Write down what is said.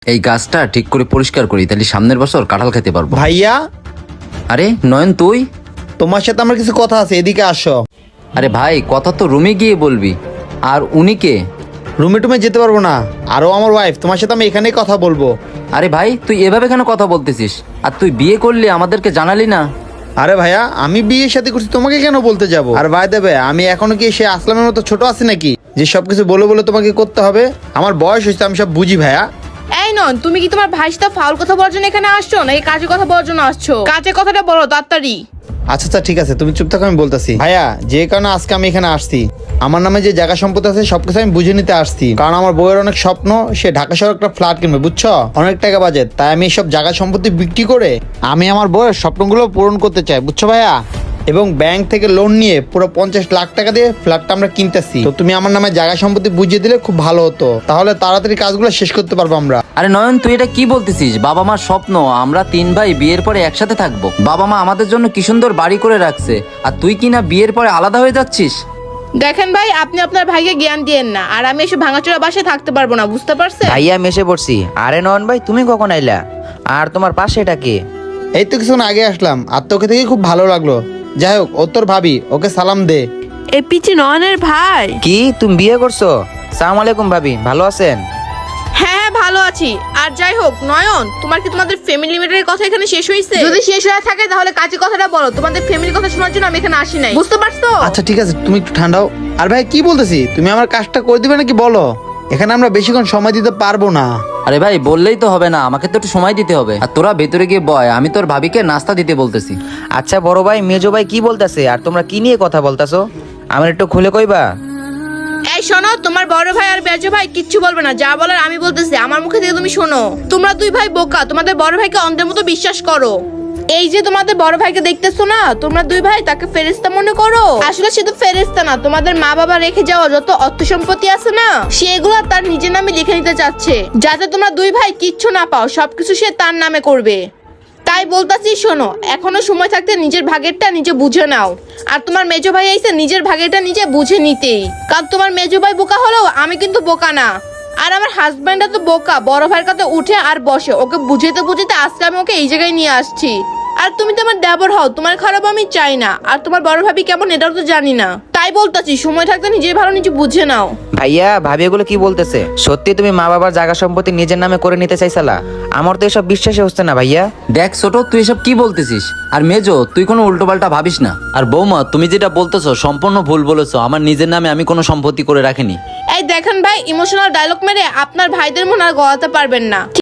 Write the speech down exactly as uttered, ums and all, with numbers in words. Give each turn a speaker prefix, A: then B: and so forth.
A: এই গাছটা ঠিক করে পরিষ্কার করি, তাহলে সামনের বছর কাঁঠাল খেতে পারবো।
B: ভাইয়া,
A: আরে নয়ন তুই?
B: তোমার সাথে আমার কিছু কথা আছে, এদিকে আসো।
A: আরে ভাই, কথা তো রুমে গিয়ে বলবি। আর উনি কে?
B: রুমে টুমে যেতে পারবো না, আরো আমার ওয়াইফ, তোমার সাথে আমি এখানেই কথা বলবো।
A: আরে ভাই, তুই এভাবে কেন কথা বলতেছিস? আর তুই বিয়ে করলি আমাদেরকে জানালি না?
B: আরে ভাইয়া, আমি বিয়ের সাথে করছি, তোমাকে কেন বলতে যাব? আর ভাই দেবে, আমি এখনো কি সে আসলামের মতো ছোট আছি নাকি যে সবকিছু বলে বলে তোমাকে করতে হবে? আমার বয়স হয়েছে, আমি সব বুঝি ভাইয়া।
C: এই নন, তুমি কি তোমার ভাইয়ের সাথে ফাউল কথা বলার জন্য এখানে আসছো নাকি কাজের কথা বলার জন্য আসছো? কাজের কথাটা বলো তাড়াতাড়ি।
B: আচ্ছা আচ্ছা ঠিক আছে, তুমি চুপ থাকো, আমি বলতেছি। ভাইয়া, যে কারণে আজকে আমি এখানে আসছি, আমার নামে যে জায়গা সম্পত্তি আছে সবকিছু আমি বুঝে নিতে আসছি। কারণ আমার বউয়ের অনেক স্বপ্ন, সে ঢাকা শহরে একটা ফ্ল্যাট কিনবে, বুঝছো? অনেক টাকা বাজেট, তাই আমি সব জায়গা সম্পত্তি বিক্রি করে আমি আমার বউয়ের স্বপ্নগুলো পূরণ করতে চাই, বুঝছো ভাইয়া? এবং ব্যাংক থেকে লোন নিয়ে পুরো পঞ্চাশ লাখ টাকা দিয়ে ফ্ল্যাটটা আমরা কিনতেছি। তো তুমি আমার নামে জায়গা সম্পত্তি বুঝিয়ে দিলে খুব ভালো হতো, তাহলে তাড়াতাড়ি কাজগুলো শেষ করতে পারবো আমরা।
A: আরে নয়ন, তুই এটা কি বলতেছিস? বাবা মার স্বপ্ন আমরা তিন ভাই বিয়ের পরে একসাথে থাকবো। বাবা মা আমাদের জন্য কি সুন্দর বাড়ি করে রাখছে, আর তুই কি না বিয়ের পরে আলাদা হয়ে যাচ্ছিস?
C: দেখেন ভাই, আপনি আপনার ভাইকে জ্ঞান দিয়েন না, আর আমি এসে ভাঙাচোরা বাসায় থাকতে পারবো না, বুঝতে পারছেন?
D: ভাইয়া আমি এসে পড়ছি। আরে নয়ন ভাই, তুমি কখন আইলা? আর তোমার পাশে এটা কে?
B: এই তো কিছুক্ষণ আগে আসলাম, আর তোকে থেকে খুব ভালো লাগলো। যাই হোক, ও তোর ভাবি, ওকে সালাম দে।
E: এই পিচি নয়নের ভাই।
D: কি তুমি বিয়ে করছো? সালাম আলাইকুম ভাবি, ভালো আছেন?
C: হ্যাঁ ভালো আছি। আর যাই হোক নয়ন, তোমার কি তোমাদের ফ্যামিলি ম্যাটারের কথা এখানে শেষ হয়েছে? যদি শেষ হয়ে থাকে তাহলে কাজের কথাটা বলো। তোমাদের ফ্যামিলির কথা শোনার জন্য আমি এখানে আসি নাই, বুঝতে পারছো?
B: আচ্ছা ঠিক আছে, তুমি একটু ঠান্ডাও। আর ভাই কি বলতেছি, তুমি আমার কাজটা করে দিবে নাকি বলো? এখানে আমরা বেশিক্ষণ সময় দিতে পারবো না।
A: আরে ভাই, বললেই তো হবে না, আমাকে তো একটু সময় দিতে হবে। আর তোরা ভেতরে গিয়ে বয়, আমি তোর ভাবিকে নাস্তা দিতে বলতেছি।
D: আচ্ছা বড় ভাই, মেজো ভাই কি বলতেছে? আর তোমরা কি নিয়ে কথা বলতেছো? আমার একটু খুলে কইবা?
C: এই শোনো, তোমার বড় ভাই আর বেজো ভাই কিচ্ছু বলবে না, যা বলার আমি বলতেছি, আমার মুখে থেকে তুমি শোনো। তোমরা দুই ভাই বোকা, তোমাদের বড় ভাইকে অন্ধের মতো বিশ্বাস করো। এই যে তোমাদের বড় ভাইকে দেখতেছো না, তোমরা দুই ভাই তাকে ফেরেশতা মনে করো। আসলে সে তো ফেরেশতা না, তোমাদের মা বাবা রেখে যাওয়া যত অর্থ সম্পত্তি আছে না, সেগুলো তার নিজের নামে লিখে নিতে চাচ্ছে, যাতে তোমরা দুই ভাই কিচ্ছু না পাও, সবকিছু সে তার নামে করবে। তাই বলতাছি শোনো, এখনো সময় থাকতে নিজের ভাগেরটা নিজে বুঝে নাও। আর তোমার মেজো ভাই আইছে নিজের ভাগেরটা নিজে বুঝে নিতেই, কারণ তোমার মেজো ভাই বোকা হলেও আমি কিন্তু বোকা না। আর আমার হাজব্যান্ডটা তো বোকা, বড় ভাইয়ের কাছে উঠে আর বসে, ওকে বুঝাইতে বুঝাইতে আজকে আমি ওকে এই জায়গায় নিয়ে আসছি। আর তুমি তো আমার দেবর হও, তোমার খারাপ আমি চাই না। আর তোমার বড় ভাবি কেমন এটাও তো জানি না, তাই বলতাছি সময় থাকতে নিজের ভালো নিজে বুঝে নাও।
D: ভাইয়া ভাবি এগুলো কি বলতেছে? সত্যি তুমি মা বাবার জায়গা সম্পত্তি নিজের নামে করে নিতে চাইছালা? আমার তো এসব বিশ্বাসই হচ্ছে না ভাইয়া।
A: দেখ ছোট, তুই এসব কি বলতেছিস? আর মেজো, তুই কোনো উল্টো পাল্টা ভাবিস না। আর বৌমা, তুমি যেটা বলতেছো সম্পূর্ণ ভুল বলেছো। আমার নিজের নামে আমি কোনো সম্পত্তি করে রাখিনি।
C: এই দেখেন ভাই, ইমোশনাল ডায়লগ মেরে আপনার ভাইদের মন আর গলাতে পারবেন না।